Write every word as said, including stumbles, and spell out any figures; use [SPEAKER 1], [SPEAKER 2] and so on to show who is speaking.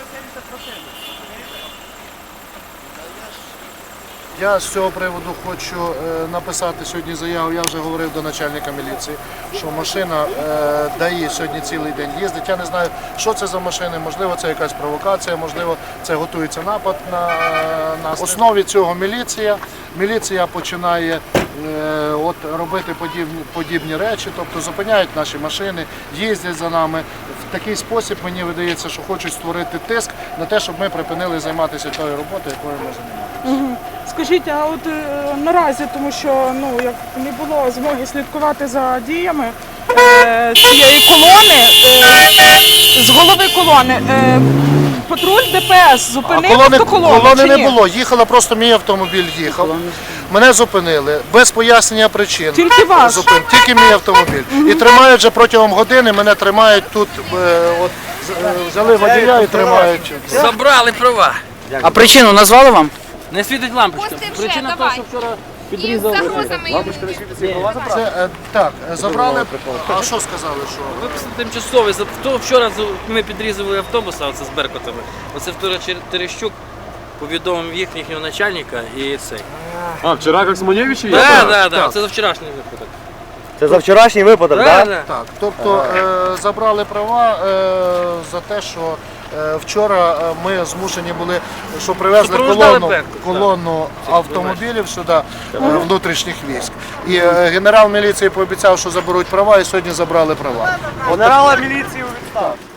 [SPEAKER 1] Я з цього приводу хочу е, написати сьогодні заяву, я вже говорив до начальника міліції, що машина е, ДАІ сьогодні цілий день їздить. Я не знаю, що це за машини, можливо, це якась провокація, можливо, це готується напад на нас. В основі цього міліція. Міліція починає е, от, робити подібні, подібні речі, тобто зупиняють наші машини, їздять за нами. В такий спосіб, мені видається, що хочуть створити тиск на те, щоб ми припинили займатися тою роботою, якою ми займаємося.
[SPEAKER 2] Скажіть, а от е, наразі, тому що ну як не було змоги слідкувати за діями е, цієї колони, е, з голови колони, е, патруль ДПС зупинив
[SPEAKER 1] колони,
[SPEAKER 2] автоколону,
[SPEAKER 1] колони
[SPEAKER 2] чи
[SPEAKER 1] не
[SPEAKER 2] ні?
[SPEAKER 1] було, їхала просто мій автомобіль їхав. Мене зупинили без пояснення причин.
[SPEAKER 2] Тільки ваш?
[SPEAKER 1] Зупин, тільки мій автомобіль. І тримають вже протягом години, мене тримають тут, е, от, е, взяли водія і тримають.
[SPEAKER 3] Забрали права.
[SPEAKER 4] А причину назвали вам?
[SPEAKER 3] Не світить лампочка.
[SPEAKER 5] Пусти вже,
[SPEAKER 3] Причина
[SPEAKER 5] давай.
[SPEAKER 3] того, що вчора
[SPEAKER 5] І з
[SPEAKER 3] підрізали.
[SPEAKER 5] загрозами йому.
[SPEAKER 1] Це, е, так, е, забрали, а що сказали, що?
[SPEAKER 3] Виписали тимчасовий. За- хто Вчора з- ми підрізали автобус, а це з Беркутами. Оце вчора Чер- Терещук повідомив їх, їхнього начальника і цей.
[SPEAKER 6] А, вчора як Смонєвичі є?
[SPEAKER 3] Так, так, так. Це за вчорашній випадок.
[SPEAKER 4] Це за вчорашній випадок,
[SPEAKER 3] Так,
[SPEAKER 4] так?
[SPEAKER 3] так.
[SPEAKER 1] Так, тобто е, забрали права е, за те, що е, вчора е, ми змушені були, що привезли
[SPEAKER 3] Супроводжали
[SPEAKER 1] колону,
[SPEAKER 3] Беркут, так.
[SPEAKER 1] колону автомобілів сюди, е, внутрішніх військ. І е, генерал міліції пообіцяв, що заберуть права, і сьогодні забрали права.
[SPEAKER 4] Генерала міліції у відставці.